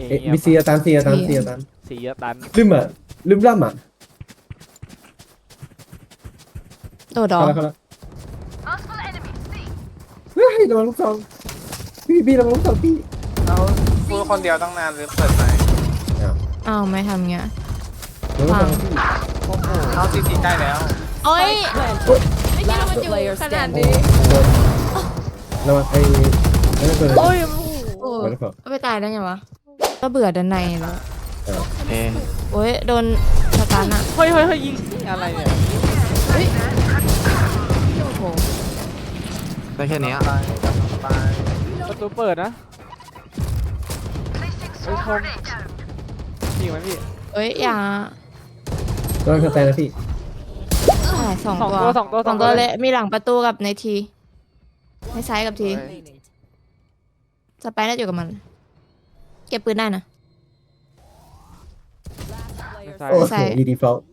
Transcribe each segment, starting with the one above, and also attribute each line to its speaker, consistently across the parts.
Speaker 1: มีเซียตันเซียตันเซียตัน
Speaker 2: เสียตัน
Speaker 1: ลืมอ่ะลืมล่ำอ่ะ
Speaker 3: โดดดอ
Speaker 1: เข้าแล้วเฮ้ยระวังลูกซองพี่ระวังลูกซองพี่
Speaker 4: เราพูดคนเดียวตั้งนานหรือเปิดไหม
Speaker 3: อ้าวไม่ทำเงี้ย
Speaker 1: ระวังลูกซองพี่
Speaker 4: โอ้โหเข้าซีใกล้แล้ว
Speaker 3: โอ้ย
Speaker 5: Planted.
Speaker 3: ไม่คิดว่ามัน
Speaker 5: Last
Speaker 3: อยู่
Speaker 5: player
Speaker 3: ขนาด
Speaker 5: standing.
Speaker 3: นี้
Speaker 1: ระวังนั่นตัว
Speaker 3: โอ้ยโอ้
Speaker 1: ไว้แล้วเปล่า
Speaker 3: ไม่ตายได้ไงวะก็เบื่อด้านในแล้ว
Speaker 6: เอ๊ะ
Speaker 3: โอ้ยโดนสตาร์ทอ่ะ
Speaker 2: เฮ้ยยิงอะไรเนี่ย
Speaker 3: เฮ้ยโอ้โห
Speaker 6: ได้แค่เนี้ย
Speaker 4: ไปไป
Speaker 2: ประตูเปิดนะเฮ้ยชมยิงไหมพี่
Speaker 3: เอ้ยอย่า
Speaker 1: ระวังสแตนนะพี่
Speaker 3: ใช่สอง
Speaker 2: สอง
Speaker 3: ตัว
Speaker 2: ตัวสองตัว
Speaker 3: สองตัวเลยมีหลังประตูกับในทีในซ้ายกับทีสไปร์น่าจะอยู่กับมัน เก็บปืนได้นะ
Speaker 2: ใช่
Speaker 1: โอ้
Speaker 3: ใส่
Speaker 1: โหดีฟอล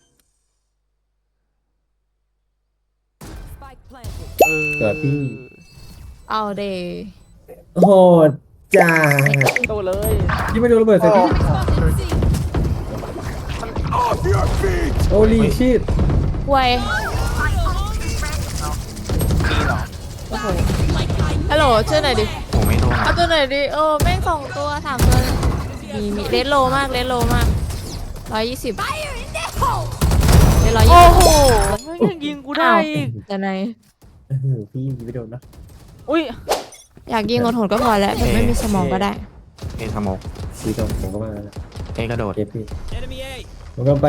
Speaker 5: Spike planted.
Speaker 1: เกิดพี่
Speaker 3: เอาเด
Speaker 1: โหดจ้า
Speaker 2: โตเลย
Speaker 1: ยี่ไม่โดนระเบิดใส่พี่ โอ้ลีชีต
Speaker 3: ห่วย
Speaker 4: มีเหรอ
Speaker 3: โอ้โหฮัลโหลช่วยหน่อยดิ
Speaker 6: โอ้ไม่โดน
Speaker 3: เอาตัวหน่อยดิโอ้แม่งสองตัวสามตัวมีเลสโลมากเลสโลมาก120เลส120
Speaker 2: โอ้โหไม่ยังยิงกูได้อีก
Speaker 3: แต่ใน
Speaker 1: พี่ยิงไม่โดนนะ
Speaker 2: อุ้ย
Speaker 3: อยากยิงโหดๆก็พอแล้วแบบไม่มีสมองก็ได้
Speaker 6: เอสโมก
Speaker 1: พี่ต้องผมก็มา
Speaker 6: เอกระโดด
Speaker 1: เก็บพี่ผมก็ไป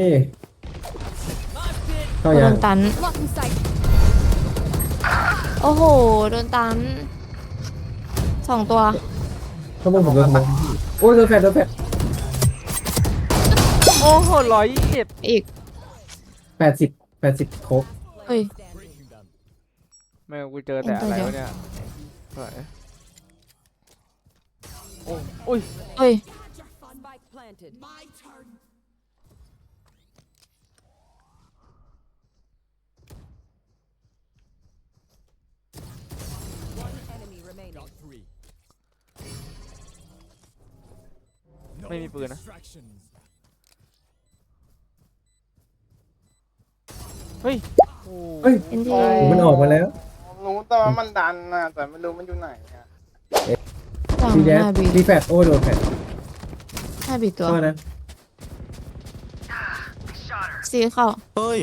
Speaker 1: เข้า
Speaker 3: โด
Speaker 1: ยัง
Speaker 3: นตัน
Speaker 5: Blocking sight.
Speaker 3: โอ้โหโดนตันสองตัว
Speaker 1: ข้างบนผมโดนขโมยโอ้ยโดนแฟด
Speaker 2: โอ้โห127
Speaker 3: อีก
Speaker 1: 80โครบ
Speaker 3: เฮ้ย
Speaker 2: แม่งกูเจอแต่อะไรวะเนี่ยสวยโอ้อุ้ย
Speaker 3: เฮ้ย
Speaker 5: Spike planted. One enemy remaining.
Speaker 2: ไม่มีปืนนะเฮ้ยโอ้
Speaker 1: เฮ้ย
Speaker 3: เอ็นที
Speaker 1: มันออกมาแล้ว
Speaker 4: รู้แต่ว่ามันดันนะแต่ไม่รู้มันอยู่ไหนอะ
Speaker 3: สอง
Speaker 1: ดีแด
Speaker 3: ห้าบี
Speaker 1: ดีแฟดโอ้โดนแฟด
Speaker 3: ห้าบีตัว
Speaker 1: เข้านะ
Speaker 3: ซีเข้า
Speaker 6: เฮ้ย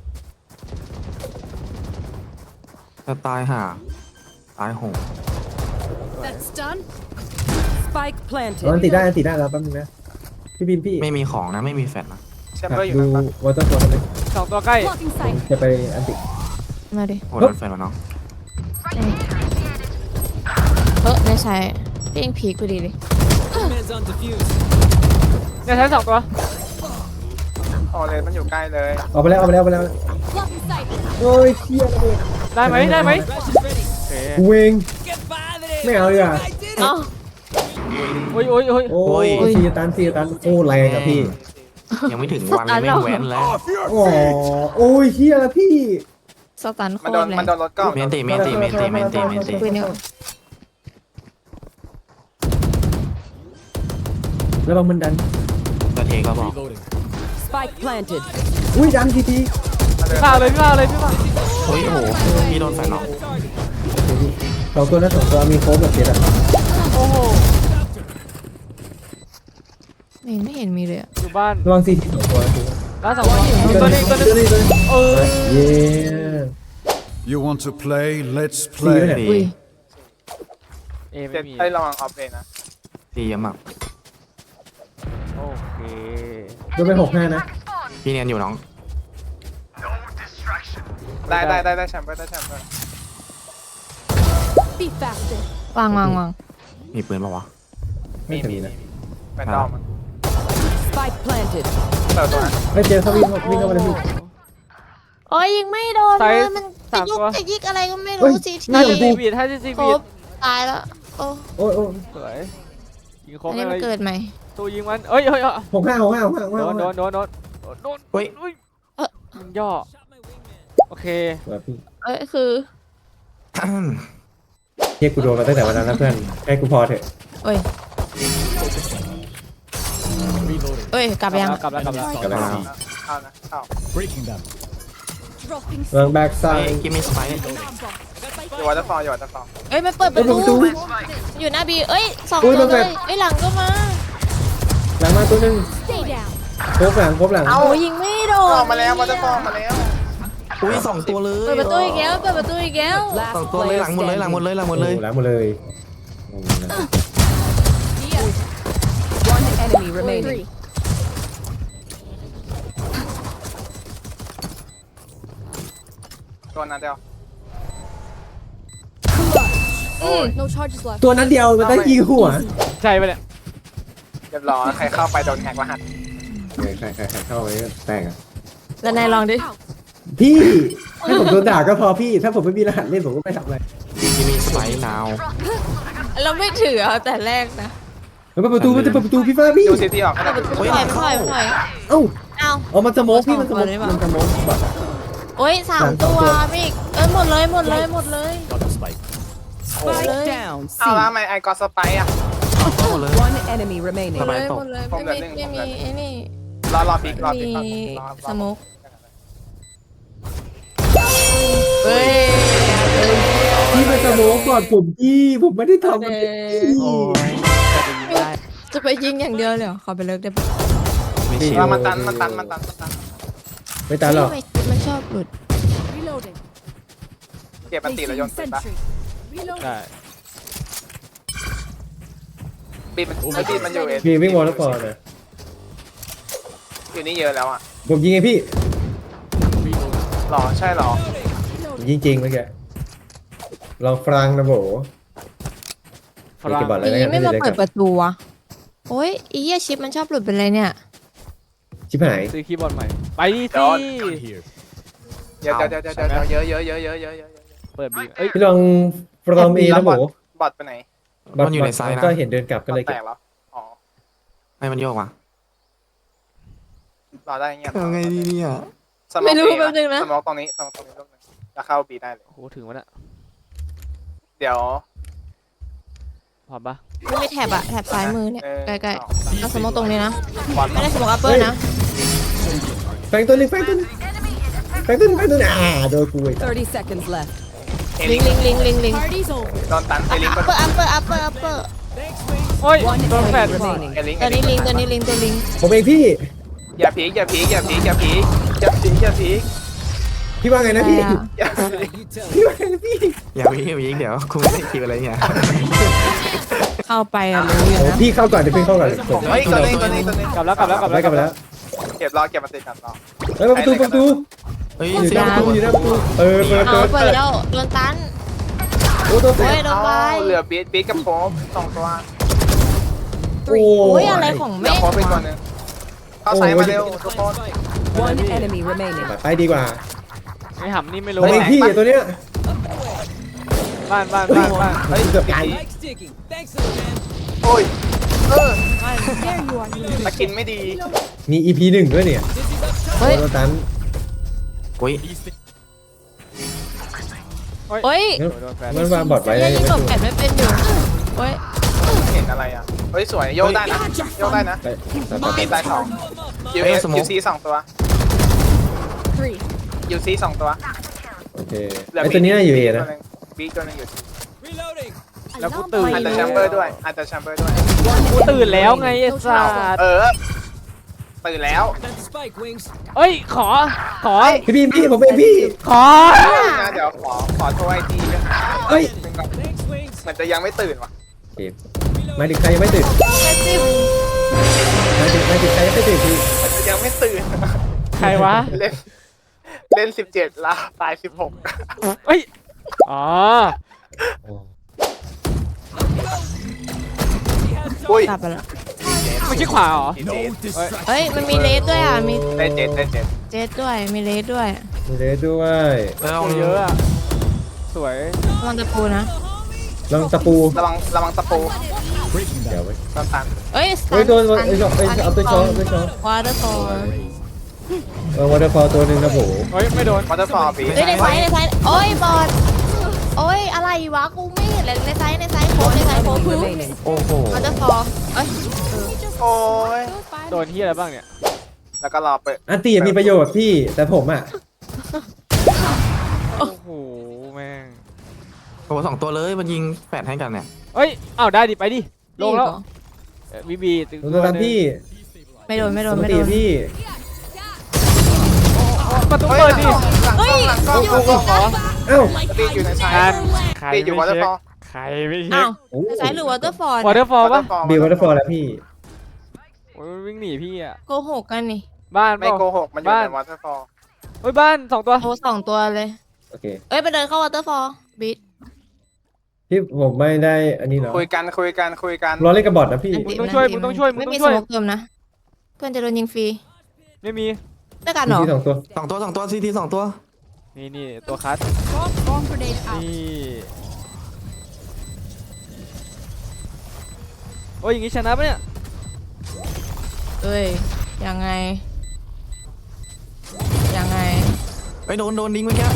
Speaker 6: จะตายห่าตายโหง
Speaker 5: That's done. Spike
Speaker 1: อัน
Speaker 5: planted.
Speaker 1: ติดได้แล้วแป๊บนึงนะพี่บินพี่
Speaker 6: ไม่มีของนะไม่มีแฟลชนะ
Speaker 4: แชมเบอร์อยู่
Speaker 1: ดู
Speaker 4: นั่นปะ
Speaker 1: วอเตอร์ฟอร์เลย
Speaker 2: สองตัวใกล้
Speaker 5: Blocking sight.
Speaker 1: จะไปอันติ
Speaker 3: มาดิ
Speaker 6: โอ้โดนแฟลชมาเนาะ
Speaker 3: ไม่ใช่เป้งพีคพอดีเลย
Speaker 2: เนี่ยใช้สองตัว
Speaker 4: อ๋อเลนมันอยู่ใกล้เลย
Speaker 1: ออกไปแล้ว
Speaker 5: Blocking sight.
Speaker 1: โอ้ยเชี่ยระเบิด
Speaker 2: ได้ไหมโอเค
Speaker 1: กูเองไม่เอาดีกว่า
Speaker 3: เอ้า
Speaker 2: อุ้ย
Speaker 1: โอ้ยเซียตันโอ้แรงอะพี่
Speaker 6: ยังไม่ถึงวันเลยไม่แว้นแล้ว
Speaker 1: อ๋อโอ้ยเชี่ยละพี่
Speaker 3: สตันโค
Speaker 4: มัน
Speaker 3: ต
Speaker 4: โด
Speaker 3: ร
Speaker 4: น
Speaker 3: แรง
Speaker 4: มันโดนรถกล้อง
Speaker 6: เมนติ
Speaker 3: ปืนเนี่ย
Speaker 1: ระวังมันดัน
Speaker 6: จะเทก็บอก
Speaker 5: Spike planted.
Speaker 1: อุ้ยดันที
Speaker 2: พี่มาเลยพี่มา
Speaker 6: เฮ้ยโอ้โหพี่โดนแฟลชเนาะ
Speaker 1: สองตัวมีโค้งแบบเจ็ดอะ
Speaker 2: โอ้โห
Speaker 3: ไม่เห็นมีเลยอะ
Speaker 2: อยู่บ้าน
Speaker 1: ระวังซีทีสองตัว
Speaker 2: ร้านสองตัวนี้เออ
Speaker 1: เย้
Speaker 7: You want to play? Let's
Speaker 1: ซีไปไหน
Speaker 7: play.
Speaker 3: อุ้ย
Speaker 2: เอ
Speaker 4: เจ็
Speaker 2: ไม่
Speaker 4: ด
Speaker 2: มี
Speaker 4: ไอ้ระวังออฟเลยนะ
Speaker 6: ตีเยอะมาก
Speaker 2: โอเค
Speaker 1: โดนไป65นะ
Speaker 6: พี่เนียนอยู่น้อง
Speaker 4: ได้แชมเบอร์
Speaker 5: Be faster.
Speaker 3: วาง
Speaker 6: มีปืนปะวะ
Speaker 1: ไม่ถึงนะ
Speaker 4: แฟนดอมมัน
Speaker 5: Spike planted.
Speaker 4: เปิดตัวนะ
Speaker 1: เฮ้ยเจอเขาวิ่งเข้ามาเลยพี่
Speaker 3: โอ้ยยิงไม่โดนเลยมันจะยุกจะยิกอะไรก็ไม่รู้ซีที
Speaker 2: น่าจะซีบีดให้ซี
Speaker 3: คร
Speaker 2: บีด
Speaker 3: บตายแล้วโอ้
Speaker 1: โอ้ย
Speaker 2: สวยยิงคร
Speaker 3: อั
Speaker 2: บ
Speaker 3: นนี้
Speaker 2: เล
Speaker 3: มัน
Speaker 2: ย
Speaker 3: เกิดใหม่
Speaker 2: ตัวยิงมันเอ้ย
Speaker 1: 65
Speaker 2: โดน
Speaker 6: เฮ้ย
Speaker 2: ยิงย่อโอเค
Speaker 1: แบบพี่
Speaker 3: คือ
Speaker 1: เฮียกูโดนมาตั้งแต่วันนั้นนะเพื่อนให้กูพอเถอะ
Speaker 3: โอ้ยเอ้ยกลับยัง
Speaker 2: กลับแล้ว
Speaker 1: กลับแล้ว
Speaker 4: เข้านะเข้า
Speaker 5: Dropping
Speaker 1: วางแบ็กไซ
Speaker 6: ไอ้
Speaker 1: ด์
Speaker 6: กิมมี่สไปร์
Speaker 4: อยู่วอเตอร์ฟอลอยู่วอเตอร์ฟอล
Speaker 3: เอ้ยมันเปิดประตู อยู่หน้าบีเอ้ยสองตัวเลยเอ้ยหลังก็มา
Speaker 1: หลังมาตัวหนึง
Speaker 5: Stay down.
Speaker 1: ครบหลังครบหลัง
Speaker 3: เอายิงไม่โดน
Speaker 4: ออกมาแล้ววอเตอร์ฟอลมาแล้ว
Speaker 6: อุ้ยสองตัวเลย
Speaker 3: เปิดประตูอีกแล้วเปิดประตูอีกแล้ว
Speaker 6: สอง
Speaker 5: Last
Speaker 6: ตัวเลย
Speaker 5: player
Speaker 6: หลังหมดเลยหลังหมด
Speaker 5: standing.
Speaker 6: เลยหลังหมดเลย
Speaker 1: โอ้หลังหมดเลยงงนะ
Speaker 5: One enemy remaining.
Speaker 4: ตัวนั้นเดียว
Speaker 5: No charges left.
Speaker 1: ตัวนั้นเดียวมันได้ยิงหัว
Speaker 2: ใช่ปะเนี่ย
Speaker 4: เรียบร้อยใครเข้าไปโดนแฮกรหัส
Speaker 1: ใครเข้าไปก็แตกอ่ะ
Speaker 3: แล้วนายลองดิ
Speaker 1: พี่ให้ผมโดนด่าก็พอพี่ ถ้าผมไม่มีรหัสเล่นผมก็ไม่ทำอะไร
Speaker 6: กิมมี่สไปร์นาว
Speaker 3: เราไม่ถือเอาแต่แรกนะ
Speaker 1: มันเปิดประตูมันจะเปิดประตูพี่ฟ้าพี่
Speaker 4: ดูซิตี้ออกก็ได้
Speaker 3: ถอยมันถอยมันถอย
Speaker 1: เอ้า
Speaker 3: เอา
Speaker 1: เอามันสโมกพี่มันสโมก
Speaker 3: เอา
Speaker 1: มันสโมกแบบ
Speaker 3: โอ้ยสามตัวมิกเอ้ยหมดเลยหมดเลยหมดเลย
Speaker 5: Spike down.
Speaker 4: เอาละ
Speaker 5: C.
Speaker 4: ทำไมไอกอสไปอ่ะ
Speaker 6: หมดเลย
Speaker 5: One enemy remaining.
Speaker 3: หมดเลยหมดเลยไม่มีไม่มีไอ้นี่
Speaker 4: รอปีกรอปีก
Speaker 3: มี
Speaker 4: รอ
Speaker 3: สโมกเฮ้ย
Speaker 1: พี่มันสโมกก่อนผมไม่ได้ทำมันพี่
Speaker 2: โอ้ยจะไปยิงได้
Speaker 3: จะไปยิงอย่างเดียวเลยเหรอขอไปเลิกได้ปะ
Speaker 6: ไม่ชิว
Speaker 4: มันตัน
Speaker 1: ไม่ตายหรอก
Speaker 3: มันชอบหลุด
Speaker 5: Reloading.
Speaker 4: เก็บอันตีแล้วโยนปืนปะ
Speaker 2: ได้
Speaker 4: บีมันบีมันอยู่เอง
Speaker 1: พี่วิ่งวอลแล้วพอนะ
Speaker 4: อยู่นี่เยอะแล้วอ่ะ
Speaker 1: ผมยิงไงพี่
Speaker 4: หรอใช่หรอ
Speaker 1: ผมยิงจริงเมื่อกี้ลองฟรังนะโบ
Speaker 2: ฝรั่ง
Speaker 1: เก็บบัตร
Speaker 3: ทีนี้ไม่มาเปิดประตูอะโอ้ยอีเหี้ยชิปมันชอบหลุดเป็นไรเนี่ย
Speaker 1: ชิบหาย
Speaker 2: ซื้อคีย์บอร์ดใหม่ ไปดิ
Speaker 4: เดี๋
Speaker 2: สิ
Speaker 4: ยว เยอะเยอะ
Speaker 2: เปิดบีเอ้ย
Speaker 1: พี่ลองฟรอมเอนะโบบ
Speaker 4: อดไปไหน
Speaker 6: มันอยู่ในไซน์นะ
Speaker 1: ก็เห็นเดินกลับก็เลย
Speaker 4: แต
Speaker 1: เก็บ
Speaker 4: กแล้วอ๋อ
Speaker 6: ให้มันโยกว่ะ
Speaker 4: รอได้เงี้ย
Speaker 6: เอาไงดีเนี่ย
Speaker 4: สมองตรงนี้ลูกนึงแล้วเข้าบีได้เลย
Speaker 2: โอ้โหถึงวะเนี่ย
Speaker 4: เดี๋ยว
Speaker 2: พอปะ
Speaker 3: ไม่มีแถบอะแถบซ้ายมือเนี่ยใกล้ๆเอาสโมกตรงนี้นะ
Speaker 4: บอล
Speaker 3: ไม่ได้สโมกอัปเปอร์นะ
Speaker 1: แฟงตัวหนึงโดนกูอีก
Speaker 5: 30 seconds left.
Speaker 4: เอ
Speaker 3: ลิ
Speaker 4: ลิ
Speaker 3: ง
Speaker 4: ง
Speaker 3: ลิง
Speaker 4: โดนตันเอลิง
Speaker 3: อัปเปอร์อัปเปอร์อัปเปอร์อัปเปอร์
Speaker 2: โอ้ย
Speaker 5: One
Speaker 2: โดนแฟด
Speaker 5: enemy remaining.
Speaker 4: เอลิง
Speaker 3: ตัวนี้ลิงตัวนี้ลิงตัวลิง
Speaker 1: ผมเองพี่
Speaker 4: อย่าพีอย่าพี
Speaker 1: พี่ว่าไงนะพี่
Speaker 4: อย่าพี
Speaker 1: พี่ว่าไงนะพี่
Speaker 6: อย่าไปยิงเดี๋ยวคุณไม่ได้คิวอะไรเนี่ย
Speaker 3: เข้าไปอะรู้อยู่
Speaker 1: โอ้
Speaker 3: นะ
Speaker 1: พี่เข้าก่อนเดี๋ยวพี่เข้าก่อนผม
Speaker 4: เฮ้ยตัวนี้
Speaker 2: กลับแล้ว
Speaker 1: กลับไปแล้ว
Speaker 4: เก็บรอเก็บมาติดกันต่อ
Speaker 1: เฮ้ยประตู
Speaker 6: เฮ้ย
Speaker 1: อยู่
Speaker 6: เสี
Speaker 1: ห
Speaker 6: ย
Speaker 1: น้าง ประตูอยู่หน้าประตูเปิด
Speaker 3: เอาเปิดแล้วโดนตัน
Speaker 1: โอ้ตัวแต
Speaker 3: โอ้ย
Speaker 1: ก
Speaker 3: โดนไป
Speaker 4: เหลือบีทกับโฟม2ตัว
Speaker 1: โอ้
Speaker 3: โอ้ยอะไรของ
Speaker 4: เหลื
Speaker 3: แม่
Speaker 4: อโฟมไปตัวนึงเข้าไซมาเร็วทุกคน
Speaker 5: One enemy remaining.
Speaker 1: ไปดีกว่า
Speaker 2: ไม่หำนี่ไม่รู้
Speaker 1: ผมเองพี่ตัวเนี้ย
Speaker 2: บ้าน
Speaker 4: เฮ้ย
Speaker 1: เกือบตาย
Speaker 4: โอ้ยตะกินไม่ดี
Speaker 1: มี EP 1ด้วยเนี่ย
Speaker 3: เฮ้ย
Speaker 1: โดนตัน
Speaker 6: อุ้ย
Speaker 3: โอ้ย
Speaker 2: โดนแฟด
Speaker 1: มันวางบอดไว้
Speaker 3: ยั
Speaker 1: ยัง ง
Speaker 3: ยิง
Speaker 1: ไม่
Speaker 3: หลบ
Speaker 1: ถูก
Speaker 3: แกะไม่เป็นอยู่โอ้ย
Speaker 4: เห็นอะไรอ่ะเฮ้ยสวยโยกได้นะบีทตาย2 UC 2ตัว UC 2ตัว
Speaker 1: โอเคไอตัวนี้น่าอยู่เอนะ
Speaker 4: บีตัวนึงอยู่
Speaker 2: แล้วกูตื่น
Speaker 4: อาจจะแชมเบอร์ด้วย
Speaker 2: กูตื่นแล้วไงไอ้สัส
Speaker 4: ตื่นแล้ว
Speaker 2: เอ้ยขอ
Speaker 1: พี่ผมเป็นพี่
Speaker 2: ขอ
Speaker 4: นะเดี๋ยวขอโทรไอทีด้วย
Speaker 1: เฮ้ย
Speaker 4: เหมือนจะยังไม่ตื่นว่ะ
Speaker 1: โอเคหมายถึงใครยังไม่ตื่นหมายถึงใครยังไม่ตื่นพี่
Speaker 4: ยังไม่ตื่น
Speaker 2: ใครวะ
Speaker 4: เล่น17ลาตาย16
Speaker 2: เอ้ยอ๋อ
Speaker 4: อุ้ย
Speaker 3: กลับไปแล้ว
Speaker 2: ไม่ใช่ขวาเหรอ
Speaker 3: เฮ้ยมันมีเลสด้วยอ่ะมี
Speaker 4: ได้เจ็ด
Speaker 3: เจสด้วยมีเลสด้วย
Speaker 1: มีเลสด้วย
Speaker 6: แล้ว
Speaker 2: เยอะอะสวย
Speaker 3: มันตะปูนะ
Speaker 1: ลองตะปู
Speaker 4: ระวังตะปู
Speaker 1: เดี๋ยวไว้
Speaker 4: ตอนตัน
Speaker 3: เอ้ย
Speaker 1: เฮ้ยโดนเอาตัวช้อน
Speaker 3: วอเตอร์ฟอล
Speaker 1: วอเตอร์ฟอลตัวหนึ่งนะผม
Speaker 2: เฮ้ยไม่โดน
Speaker 4: วอเตอร์ฟอลบี
Speaker 3: เฮ้ยในไซส์โอ้ยบอลโอ้ยอะไรวะกูไม่เห็นเลยในไซส์โค้ง
Speaker 5: Enemy remaining.
Speaker 6: โอ้โห
Speaker 3: วอเตอร์ฟอลเอ้ย
Speaker 4: โอ้ย
Speaker 2: โดนที่อะไรบ้างเนี่ย
Speaker 4: แล้วก็รอเปิด
Speaker 1: อันตีมีประโยชน์พี่แต่ผมอ่ะ
Speaker 2: โอ้โหแม่ง
Speaker 6: โอ้โห2 ตัวเลยมันยิงแฟดให้กันเนี่ย
Speaker 2: เอ้ยอ้าวได้ดิไปดิลงแล้วบีบีถึง
Speaker 1: ดูตามพี่
Speaker 3: ไม่โดนไม่โดน
Speaker 1: ปก
Speaker 3: ไม่
Speaker 1: ติ
Speaker 3: โดน
Speaker 1: พี่
Speaker 2: ประตู
Speaker 4: เฮ้ย
Speaker 2: เปิด
Speaker 4: หลัง
Speaker 2: ดิ
Speaker 4: กล้องหลังกล้องหลังกล้อง
Speaker 2: กูก็ขอ
Speaker 1: เอ้า
Speaker 4: ตีอยู่ในซ้าย
Speaker 2: การใคร
Speaker 4: ตีอยู่วอเตอร์ฟอล
Speaker 2: ใครไม่เช็
Speaker 3: อ้า
Speaker 2: คว
Speaker 1: โอ้
Speaker 3: ใช้หรือวอเตอร์ฟอร์
Speaker 2: วอเตอร์ฟอลปะ
Speaker 1: บิววอเตอร์ฟอลแล้วพี่
Speaker 2: โอ้ยวิ่งหนีพี่อ่ะ
Speaker 3: โกหกกันนี่
Speaker 2: บ้านเป
Speaker 4: ไม่
Speaker 2: ล่า
Speaker 4: โกหกมันอยู่ในวอเตอร์ฟอล
Speaker 2: เฮ้ยบ้าน2 ตัว
Speaker 3: โทร2 ตัวเลย
Speaker 1: โอเค
Speaker 3: เอ้ยไปเดินเข้าวอเตอร์ฟอร์บิด
Speaker 1: พี่ผมไม่ได้อันนี้เหรอ
Speaker 4: คุยกัน
Speaker 1: รอเล่นกับบอทนะพี่
Speaker 2: มึงต้องช่วยมึงต้องช่วยมึง
Speaker 3: ไม่
Speaker 2: ต้อ
Speaker 3: มี
Speaker 2: ง
Speaker 3: ส
Speaker 2: ช่วย
Speaker 3: โมกเติมนะเพื่อนจะโดนยิงฟรี
Speaker 2: ไม่มี
Speaker 3: ด้วยกันเหรอ
Speaker 1: ที่2 ตัว
Speaker 6: 2 ตัวซีที2 ตัว
Speaker 2: นี่ตัวคัสนี่โอ้ยอย่างงี้ชนะปะเนี่ย
Speaker 3: เอ้ยยังไงยังไง
Speaker 6: ไปโดนดิ้งเมื่อกี้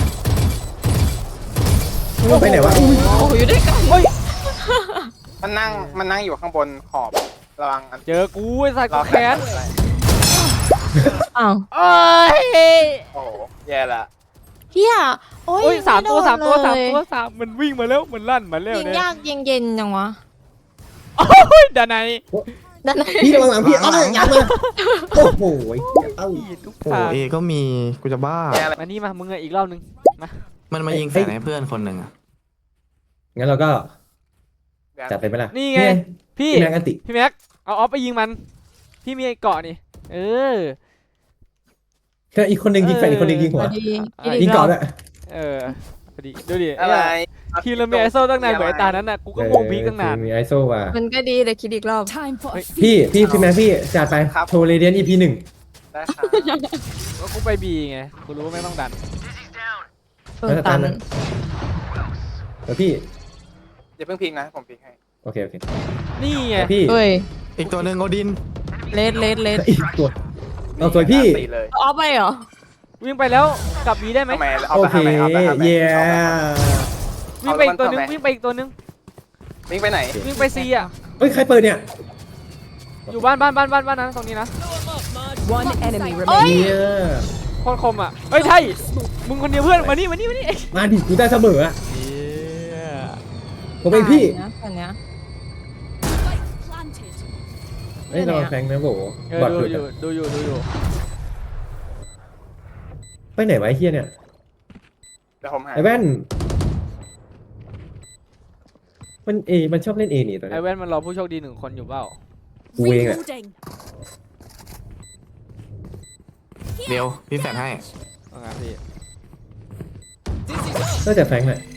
Speaker 1: ไปไหนวะอุ้ย
Speaker 3: โอ้ยอยู่ด้วยกัน
Speaker 4: มันนั่งอยู่ข้างบนขอบระวังอัน
Speaker 2: เจอกูไอ้สัตว์
Speaker 4: ร
Speaker 2: กู
Speaker 4: อ
Speaker 2: แค้น
Speaker 3: อ้าว
Speaker 2: เอ้ย
Speaker 4: โอ้โหแย่ละ
Speaker 3: เฮียโอ้ย
Speaker 2: โอ้ย3 ตัว 3 ตัว
Speaker 3: ไม่โดนเลย
Speaker 2: 3 ตัวมันวิ่งมาแล้วมันลั่นมาแล้ว
Speaker 3: ยิง
Speaker 2: เนี่ย
Speaker 3: ยากยิงเย็นจังวะ
Speaker 2: โอ้ยดานใน
Speaker 3: ด้านใน
Speaker 1: พี่ระวังหลังพี่เอาเลยยัดเลยโอ้โหเอ้า
Speaker 2: ทุก
Speaker 6: โอ้
Speaker 2: ทาง
Speaker 6: เอก็มีกูจะบ้า
Speaker 4: แย่ละ
Speaker 2: มานี่มามึงอะอีกรอบนึงมา
Speaker 6: มันมายิงแฟดให้เพื่อนคนหนึ่งอะ
Speaker 1: งั้นเราก็จัดไปไหมล่ะ
Speaker 2: นี่ไงพี่
Speaker 1: พี่แม็กอันติ
Speaker 2: พี่แม็กเอาออฟไปยิงมันพี่มีไอ้เกาะนี่เออ
Speaker 1: ก็อีกคนหนึ่งยิงแฟนอีกคนหนึ่งยิงหัว
Speaker 3: พอดี
Speaker 1: ยิงเกาะด้วย
Speaker 2: เออพอดีดูดิ
Speaker 4: อะไร
Speaker 2: ทีมเรามีไอโซตั้งนานเหมือนไอ้ตานั้นน่ะกูก็งงพีกตั้งนาน
Speaker 1: มีไอโซว่ะ
Speaker 3: มันก็ดีเลยคิดอีกรอบ
Speaker 5: Time for a
Speaker 1: พี่แม็กพี่จัดไปโชว์เรเดียน EP 1
Speaker 4: ได้ครับ
Speaker 2: ก็กูไปบีไงกูรู้ว่าไม่ต้องดัน
Speaker 3: เปิดตัน
Speaker 1: เดี๋ยวพี่
Speaker 4: อย่าเพิ่งพิงนะผมพิงให้
Speaker 1: โอเค
Speaker 2: นี่ไง
Speaker 1: เดี๋ยวพี่
Speaker 3: เฮ้ย
Speaker 6: อีกตัวหนึ่งโอดิน
Speaker 3: เลด
Speaker 1: อีกตัวเอาสวยพี่
Speaker 4: ตีเลย
Speaker 3: ออฟไปเหรอ
Speaker 2: วิ่งไปแล้วกลับบีได้ไหม
Speaker 4: ทำไมเอา
Speaker 1: โอ
Speaker 4: ไป
Speaker 1: เค
Speaker 4: ทำไมเอาไปทำไม
Speaker 1: เย้
Speaker 2: วิ่งไปอีกตัวนึงวิ่งไปอีกตัวนึง
Speaker 4: วิ่งไปไหน
Speaker 2: วิ่งไปซีอ่ะ
Speaker 1: เฮ้ยใครเปิดเนี่ย
Speaker 2: อยู่บ้านนั้นตรงนี้นะ
Speaker 5: one enemy
Speaker 3: เอ้ย
Speaker 5: remaining.
Speaker 1: เนี่ย
Speaker 2: โคตรคมอ่ะเฮ้ยไทยมึงคนเดียวเพื่อนมานี่
Speaker 1: มาดิกูได้เสมออ่ะผมเองพี่
Speaker 3: อันเนี้ย
Speaker 1: เฮ้ยระวังแฟงนะโบ
Speaker 2: เออบ
Speaker 1: อด
Speaker 2: ดู
Speaker 1: หลุด
Speaker 2: อยู่
Speaker 1: อะ
Speaker 2: ดูอยู่
Speaker 1: ไปไหนวะไอ้เฮียเนี่ย
Speaker 4: เดี๋ยวผมหา
Speaker 1: ไอ้แว่นมันชอบเล่นเอนี่ตัว
Speaker 2: ไอ
Speaker 1: เนี้ย
Speaker 2: แว่นมันรอผู้โชคดี1 คนอยู่เปล่า
Speaker 1: กูเองอ่ะ
Speaker 6: เดี๋ยวพี่แฟดให้
Speaker 2: ว่าไงพี่
Speaker 1: น่าจะแฟงแหละ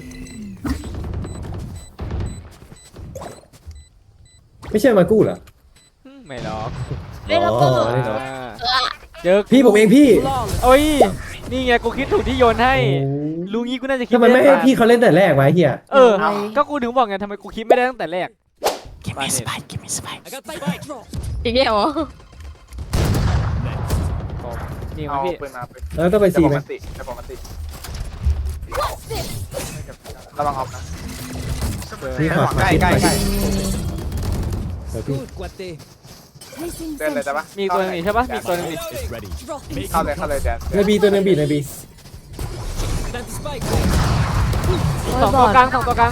Speaker 1: ไม่ใช่มากู้เหรอ
Speaker 2: ไม่หรอก
Speaker 3: เฮ้ยแล้วก็
Speaker 1: อ๋อนี่เหรอ
Speaker 2: เจอ
Speaker 1: พี่ผมเองพี่
Speaker 2: โอ้ยนี่ไงกูคิดถูกที่โยนให้ลุงงี้กูน่าจะคิด
Speaker 1: ทำไมไม่ให้พี่เขาเล่นแต่แรกวะไอ้เฮีย
Speaker 2: เออก็กูถึงบอกไงทำไมกูคิดไม่ได้ตั้งแต่แรก
Speaker 6: Give me spike Give me spike
Speaker 3: อีกแล้วเหรอ
Speaker 2: นี่
Speaker 4: เอา
Speaker 2: มาพี่
Speaker 4: ปืนมาปืน
Speaker 1: แล้วต้องไป
Speaker 4: เดี๋ยว
Speaker 1: ซี
Speaker 4: ผม
Speaker 1: ไหม
Speaker 4: มาติเดี๋ยวผมมาติระวังออฟนะ
Speaker 1: พี่ขอ
Speaker 4: ใกล้ใกล้ใกล้
Speaker 1: เดี๋ยวพี่
Speaker 4: เดินเลยได้ปะ
Speaker 2: มีอีกตัวหนึงนี่ใช่ปะมีอีกตัวหนึงนี่
Speaker 4: เข้าเลยแดน
Speaker 1: ในบีตัวนึงบีในบี
Speaker 2: สองตัวกลาง2 ตัวกลาง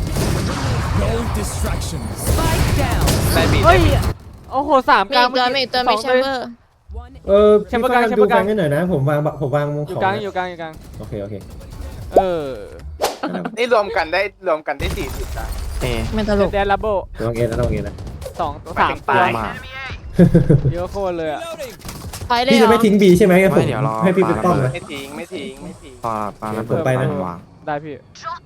Speaker 5: Spike down.
Speaker 4: ได้บี
Speaker 2: เฮ้ยโอ้โห3
Speaker 3: มี
Speaker 2: กลาง
Speaker 3: อีกตัวมีอีกตัวไม่แชมเบอร์
Speaker 2: แชมเบอร์กลาง
Speaker 1: พี่ดูแฟงให้หน่อยนะผมวางมง
Speaker 2: อยู่
Speaker 1: ของ
Speaker 2: กลาง
Speaker 1: นะ
Speaker 2: อยู่กลาง
Speaker 1: โอเค
Speaker 2: เออ
Speaker 4: นี่รวมกันได้40นะ
Speaker 6: เอ
Speaker 3: มันตลก
Speaker 2: แดนลับโบ
Speaker 1: ระวังเอ็นนะระวังเอ็นนะ
Speaker 2: 2 ตัว
Speaker 4: หมายถึง
Speaker 2: 3 ตัว
Speaker 6: ตามมา
Speaker 2: เยอะโคตรเลยอ่ะ
Speaker 3: ไปเลย
Speaker 1: พี่
Speaker 3: เหร
Speaker 1: จะ
Speaker 3: อ
Speaker 1: ไม่ทิ้งบีใช่ไหมงั้นผม
Speaker 6: ไม่เดี๋ยวรอ
Speaker 1: ให้พี่เป็นป้อม
Speaker 6: ปาระเบิ
Speaker 1: นะ
Speaker 6: ด
Speaker 4: ไม่ทิ้ง
Speaker 6: ปาระ
Speaker 1: ผมไปนะ
Speaker 6: วาง
Speaker 2: ได้พี่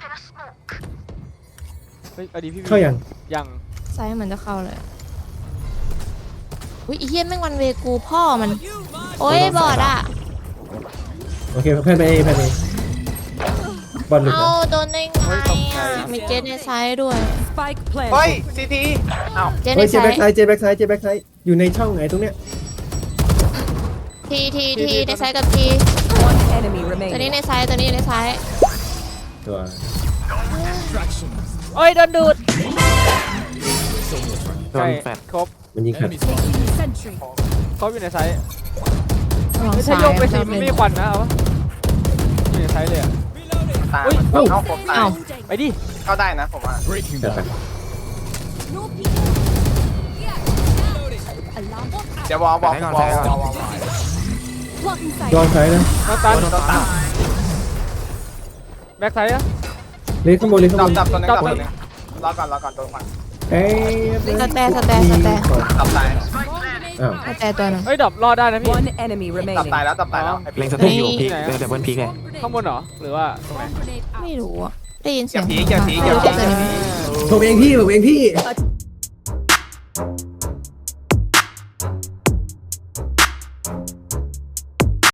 Speaker 2: เฮ้ยเอาดีพี่
Speaker 1: เข้ายัง
Speaker 2: ยัง
Speaker 3: ไซส์เหมือนจะเข้าเลยอุ้ยอีเฮียแม่งวันเวกูพ่อมันโอ้ยบอดอ่ะ
Speaker 1: โอเคเพื่อนไปบอลหลุด
Speaker 3: เอา
Speaker 1: นะ
Speaker 3: โดนได้ไงอ่ะมีเจนในไซส์ด้วย
Speaker 5: Spike
Speaker 4: เฮ้ย
Speaker 5: planted.
Speaker 4: ซีทีอ้าว
Speaker 3: เจนใน
Speaker 1: เฮ้ยเจ
Speaker 3: ไซ
Speaker 1: แบ็ก
Speaker 3: ส์
Speaker 1: ไซด์เจแบ็กไซด์อยู่ในช่องไหนตรงเนี้ย
Speaker 3: ทีในไซส์กับที
Speaker 5: One enemy
Speaker 3: ตัวนี้
Speaker 5: remaining.
Speaker 3: ในไซส์ตัวนี้ในไซส์
Speaker 1: ตัว
Speaker 2: โอ้ยโดนดูด
Speaker 6: โดนแฟด
Speaker 2: ครบ
Speaker 1: มันยิงขัด
Speaker 2: เขาอยู่ในไซส์
Speaker 3: ลอง
Speaker 2: ไม่ใช่
Speaker 3: ซ้าย
Speaker 2: โยกไปสิ
Speaker 3: ซ้าย
Speaker 2: มันไม่มีควันนะเอาปะอยู่ในไซส์เลยอะ
Speaker 4: ตาย
Speaker 2: อุ๊ย
Speaker 4: เอาผมตาย
Speaker 3: เอ้า
Speaker 2: ไปดิ
Speaker 4: เข้าได้นะผมว่า
Speaker 7: Breaking
Speaker 1: เดี๋ยว
Speaker 7: down.
Speaker 4: เดี๋ยววอลบอกวอล
Speaker 1: ย้อนไซด์นะ
Speaker 2: มาตัน
Speaker 4: โดนตาม
Speaker 2: แบ็คไซส์อะ
Speaker 1: เล็กข้างบนเล็กข้าง
Speaker 4: จั
Speaker 1: บบ น
Speaker 4: จับตัวนึงจับตัวนึงรอก่อนโดนก่อน
Speaker 1: เอ้ย
Speaker 3: สแตร์
Speaker 4: จับตาย
Speaker 1: อ้าว
Speaker 3: สแตร์ตัวหนึง
Speaker 2: เฮ้ยดรอปรอดได้นะพี่
Speaker 5: One enemy
Speaker 4: จับ
Speaker 5: remaining.
Speaker 4: ตายแล้วจับตายแล้ว
Speaker 6: เล็งสเตย์อยู่พีกเดี๋ยวเบิ้ลพีกเลย
Speaker 2: ข้างบนเหรอหรือว่าตรงไหน
Speaker 3: ไม่รู้อะได้ยินเสียง
Speaker 4: อย่าผี
Speaker 3: ไม่รู้จักตัวนี้ไหม
Speaker 1: ผมเองพี่